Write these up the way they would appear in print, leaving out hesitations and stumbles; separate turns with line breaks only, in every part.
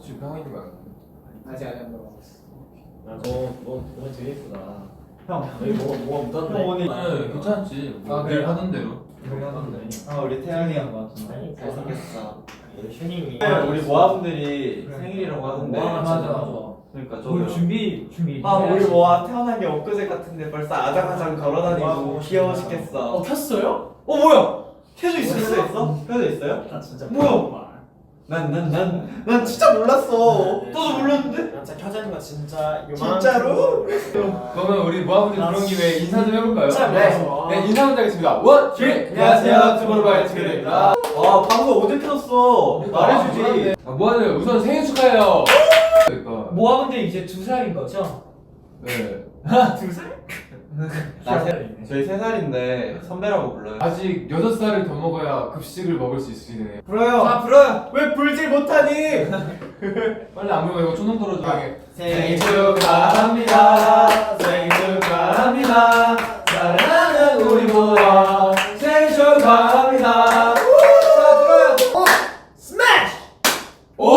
지금 하고 있는 거야?
아직 안 먹어봤어.
너 되게 예쁘다.
형,
여기 뭐가 묻었네.
형 오늘
네, 괜찮지.
아,
늘
그래요?
하던 대로.
우리 하던데. 아 우리 태양이 형 같은데.
잘생겼어. 슈닝이.
우리 모아분들이
그래.
생일이라고 하던데.
와
맞아.
진짜 좋아.
그러니까
오늘
저도.
준비.
아 우리 모아 태어난 게 엊그제 같은데 벌써 아장아장 걸어다니고
와,
귀여워 죽겠어.
켰어요?
뭐야? 켜져 있었어? 켜져 있어요?
나 진짜
뭐야? 난 진짜 몰랐어. 너도 몰랐는데?
진짜 켜져 있는 거 진짜 요만한
진짜로?
그러면 우리 모아분들 그런 김에 인사 좀 해볼까요?
진짜 몰랐어.
네, 인사 먼저 하겠습니다. 원, 쓰리. 안녕하세요, 투모로우바이 투게더입니다.
아 방금 어제 켜졌어. 말해주지.
모아들 우선 생일 축하해요. 그러니까.
모아분들 이제 2살인 거죠?
네.
2살?
저희 3살인데 선배라고 불러요.
아직 6살을 더 먹어야 급식을 먹을 수 있으시네요.
불어요. 불어요. 왜 불질 못하니?
빨리 안 그러면 이거 초능 떨어지게.
생일 축하합니다. 생일 축하합니다. 사랑하는 우리 모아 생일 축하합니다. 자 들어요.
스매시!
오!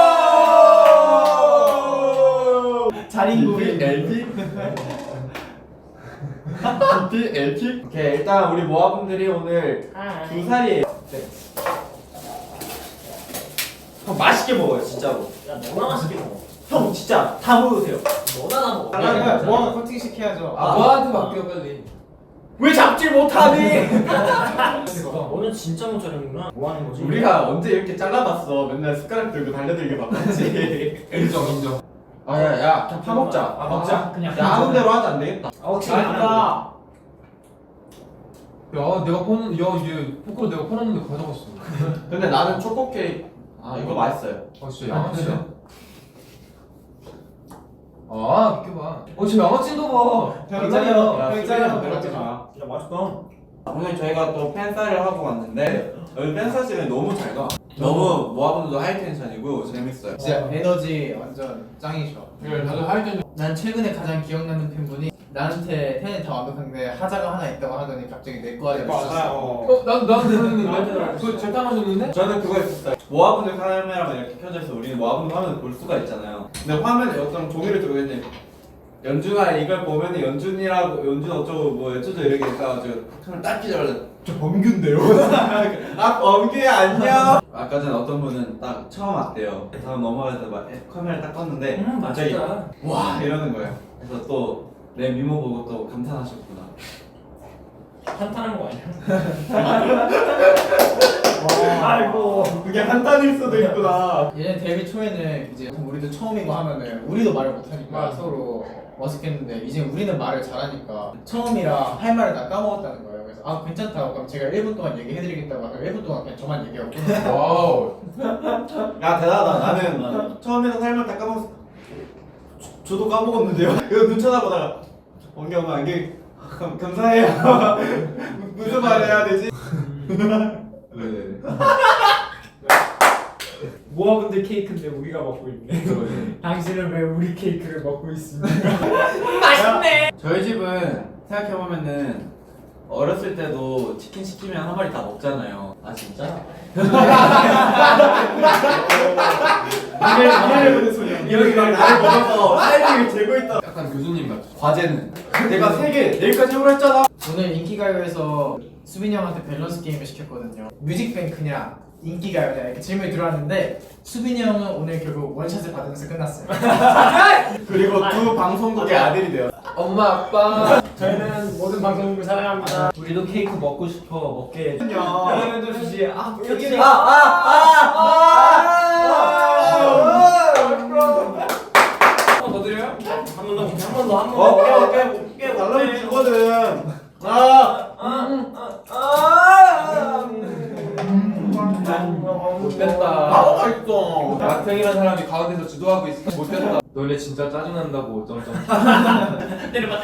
자린고비.
LP? LP? LP? 오케이 일단 우리 모아분들이 오늘 2살이에요. 네. 형 맛있게 먹어요 진짜로.
야 너나 맛있게 먹어.
형 진짜 다 먹으세요.
너나 다 먹어.
그러니까 모아가 커팅 시켜야죠.
모아한테 맡겨 빨리.
왜 잡질 못하니?
너는 진짜 못 자르는구나. 뭐 하는 거지?
우리가 언제 이렇게 잘라봤어? 맨날 숟가락 들고 달려들게 바빴지.
인정.
아야야 그냥 파 먹자.
아 먹자. 그냥.
야 하는 대로 하자 안 되겠다.
혹시
아니다.
야, 내가 퍼는, 얘 포크로 내가 퍼놨는데 가져갔어.
근데 나는 초코 케이크. 아 이거 맛있어요.
아, 진짜 양아치야. 아, 비켜봐. 지금 양아치인가 봐.
괜찮아요.
괜찮아요. 그러지 마.
야 맛있다.
오늘 저희가 또 팬사를 하고 왔는데 여기 팬사실은 너무 잘 가. 너무 모아분들도 하이텐션이고 재밌어요.
진짜 에너지 완전 짱이셔.
네, 다들 하이텐션.
난 최근에 가장 기억나는 팬분이 나한테 팬이 다 완벽한데 하자가 하나 있다고 하더니 갑자기 내 거 하자 주셨어.
난 들었는데? 그거 재탕하셨는데?
저는 그거 있었어요. 모아분들 카메라가 이렇게 켜져 있어. 우리는 모아분들 화면을 볼 수가 있잖아요. 근데 화면에 어떤 종이를 들고 있는데 연준아 이걸 보면은 연준이라고 연준 어쩌고 뭐 어쩌고 이렇게 있어가지고 손을 딱 끼자마자 저 범규인데요? 아 범규야 안녕. 아까 전에 어떤 분은 딱 처음 왔대요. 다음 넘어가서 막 카메라 딱 껐는데 갑자기
맛있다.
와 이러는 거예요. 그래서 또 내 미모 보고 또 감탄하셨구나.
한탄한 거 아니야? 아이고.
그게 한탄일 수도 있구나.
얘네 데뷔 초에는 이제 우리도 처음이고 하면은 우리도 말을 못하니까 서로 어색했는데 이제 우리는 말을 잘하니까 처음이라 할 말을 다 까먹었다는 거예요. 그래서 아 괜찮다고 그럼 제가 1분 동안 얘기해드리겠다고 하면 1분 동안 그냥 저만 얘기하고
와우.
야 대단하다. 나는 처음에는 할 말 다 까먹었어. 저도 까먹었는데요. 이거 눈 쳐다보다가 원경 안경 감사해요. 무슨 말 해야 되지?
네.
모아분들 케이크인데 우리가 먹고 있네. 당신은 왜 우리 케이크를 먹고 있습니까?
맛있네.
저희 집은 생각해보면은 어렸을 때도 치킨 시키면 한 마리 다 먹잖아요.
아 진짜?
이해를 보는 소리. 여기 막 나를 먹어서 타이밍을 재고 있다.
약간 교수님 같죠?
과제는 내가 3개 내일까지 해오라 했잖아.
오늘 인기가요에서 수빈이 형한테 밸런스 게임을 시켰거든요. 뮤직뱅크냐 인기가요냐 이렇게 질문이 들어왔는데 수빈이 형은 오늘 결국 원샷을 받으면서 끝났어요.
그리고 두 방송국의 아들이 되었어.
엄마, 아빠.
저희는 모든 방송국을 사랑합니다. 우리도 케이크 먹고 싶어 먹게.
그러면 주시. 아
여기 한번 더 드려요? 한 번 더, 한 번 더, 한 번 더. 깨
달라면 주거든.
못됐다.
바보가 있어.
마탱이라는 사람이 가운데서 주도하고 있어. 못됐다. 너네 진짜 짜증난다고. 점점.
때려봐.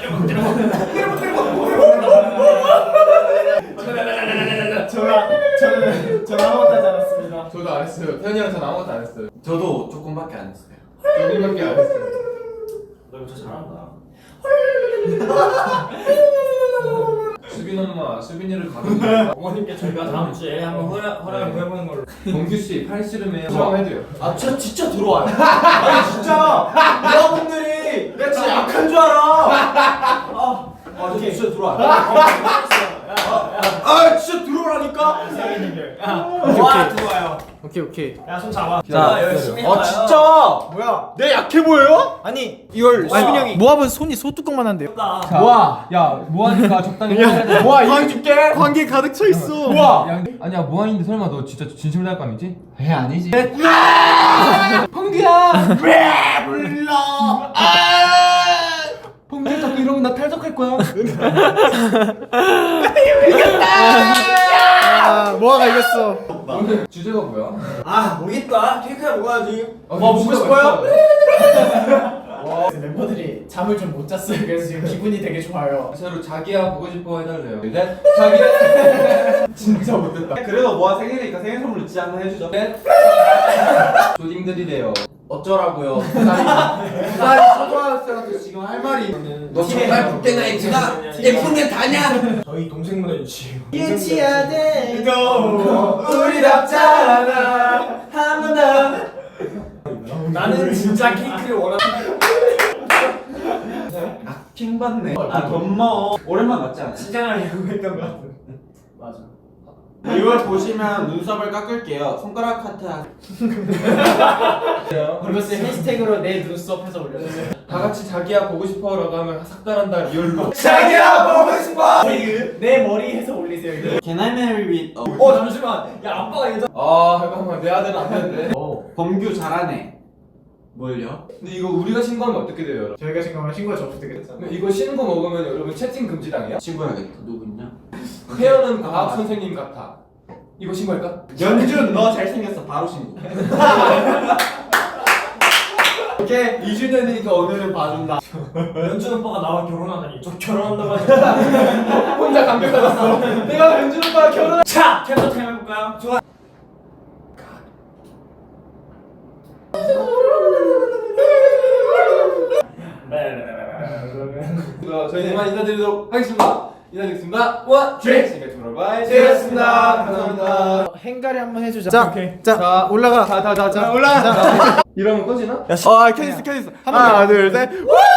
저는 아무것도 하지 않았습니다.
저도 안 했어요. 태현이랑 전 아무것도 안 했어요.
저도 조금밖에 안 했어요.
조금밖에 안 했어요.
너 이거 진짜 잘한다.
수빈 엄마, 수빈이를 가르쳐.
어머님께 저희가 다음 주에 한번 허락을 구해보는 걸로.
범규 씨 팔씨름에 수강해줘요.
아 진짜 들어와요. 아니 진짜 여러분들이 내가 진짜 약한 줄 알아. 진짜 들어와. 진짜 들어오라니까. 와 들어와요.
오케이.
야 손 잡아.
자,
열심히
아
해봐요.
진짜 뭐야?
내 약해 보여요?
아니 이걸 수빈 형이 모압은 손이 소뚜껑만 한대요.
모아, 야 모아니까 적당히 해야 돼.
모아 이거 줄게. 관계 가득 차 있어. 모아.
야, 아니야 모아인데 설마 너 진짜 진심으로 할 거 아니지? 에 아니지.
범규야.
왜 불러?
범규 자꾸 이러면 나 탈덕할 거야. 모아가 이겼어.
오늘 주제가 뭐야?
아 모르겠다. 케이크야 먹어야지.
먹고
싶어요?
멤버들이 잠을 좀 못 잤어요. 그래서 지금 기분이 되게 좋아요.
서로 자기야 보고 싶어 해달래요. 넷, 자기야.
진짜 못됐다.
그래도 모아 생일이니까 생일 선물 잊지 않나 해주죠.
넷. 조딩들이래요.
어쩌라고요?
초등학생한테 지금 할 말이. 너 정말 붙게나 했구나. 예쁘게 다냐?
저희 동생보다 유치해요.
유치야 돼.
우리답잖아 한번더 나는 진짜 케이크를 원하는.
킹 받네. 고마워. 오랜만 맞지 않아?
칭찬을 요구했던 것 같은. 맞아.
이걸 보시면 눈썹을 깎을게요. 손가락 하트.
그리고 해시태그로 내 눈썹 해서 올려주세요.
다 같이 자기야 보고 싶어라고 하면 삭달한다 리얼로.
자기야 보고 싶어.
내 머리 해서 올리세요. 이거.
Can I marry with?
잠시만. 야 아빠가 예전.
아 잠깐만 내 아들은 안 되는데.
범규 잘하네. 뭘요?
근데 이거 우리가 신고하면 어떻게 돼요, 여러분?
저희가 신고하면 신고에 접수되겠잖아요.
근데 이거 신고 먹으면 여러분 채팅 금지당해요?
친구야겠다. 누구냐?
태연은 과학 선생님 같아. 이거 신고할까?
연준 너 잘생겼어. 바로 신고. 오케이 2주년이니까 오늘은 봐준다.
연준 오빠가 나와 결혼하다니. 저 결혼한다고 하니까.
혼자 감격받았어. 내가 연준 오빠랑 결혼.
자 캡처 타임 해볼까요? 좋아.
저희 이만 인사드리도록 하겠습니다. 인사드리겠습니다. 원, 트레이. 지금까지 투모로우바이
제이였습니다.
감사합니다.
행가리 한번 해주자. 자,
오케이.
자, 올라가. 자, 올라가.
이러면 꺼지나?
켜있어. 하나, 둘, 셋.